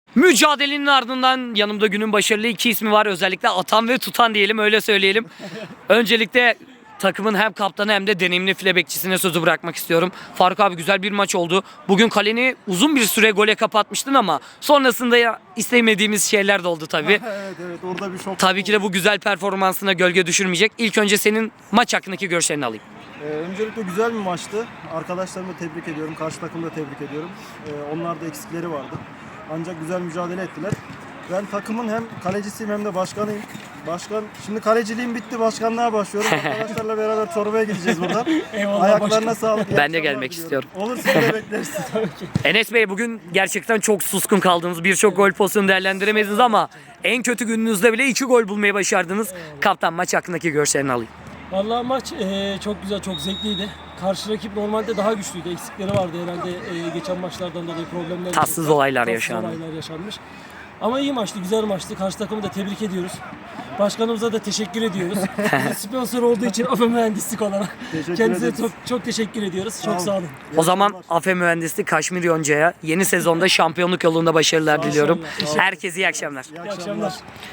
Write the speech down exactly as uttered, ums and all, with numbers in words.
Mücadelenin ardından yanımda günün başarılı iki ismi var. Özellikle atan ve tutan diyelim, öyle söyleyelim. Öncelikle takımın hem kaptanı hem de deneyimli file bekçisine sözü bırakmak istiyorum. Faruk abi, güzel bir maç oldu. Bugün kaleni uzun bir süre gole kapatmıştın ama sonrasında ya istemediğimiz şeyler de oldu tabii. evet evet orada bir şok. Tabii ki de bu güzel performansına gölge düşürmeyecek. İlk önce senin maç hakkındaki görüşlerini alayım. Ee, öncelikle güzel bir maçtı. Arkadaşlarımı tebrik ediyorum. Karşı takımı da tebrik ediyorum. Ee, onlar da eksikleri vardı. Ancak güzel mücadele ettiler. Ben takımın hem kalecisiyim hem de başkanıyım. Başkan, şimdi kaleciliğim bitti, başkanlığa başlıyorum. Arkadaşlarla beraber Çorba'ya gideceğiz buradan. Eyvallah Ayaklarına başkan. sağlık. iyi Ben de akşamlar gelmek diliyorum. istiyorum. Olur, seni de bekleriz. Enes Bey, bugün gerçekten çok suskun kaldınız. Birçok gol pozisyonu değerlendiremediniz ama en kötü gününüzde bile iki gol bulmayı başardınız. Kaptan, maç hakkındaki görüşlerini alayım. Vallahi maç e, çok güzel, çok zevkliydi. Karşı rakip normalde daha güçlüydü. Eksikleri vardı herhalde e, geçen maçlardan dolayı problemler. Tatsız var. olaylar Tatsız yaşandı. olaylar yaşanmış. Ama iyi maçtı, güzel maçtı. Karşı takımı da tebrik ediyoruz. Başkanımıza da teşekkür ediyoruz. Bize sponsor olduğu için AFE Mühendislik olarak Teşekkür kendisine ederiz. çok, çok teşekkür ediyoruz. Çok sağ olun. O zaman AFE Mühendislik Kaşmir Yonca'ya yeni sezonda şampiyonluk yolunda başarılar diliyorum. Teşekkür Herkese iyi akşamlar. İyi İyi akşamlar. akşamlar.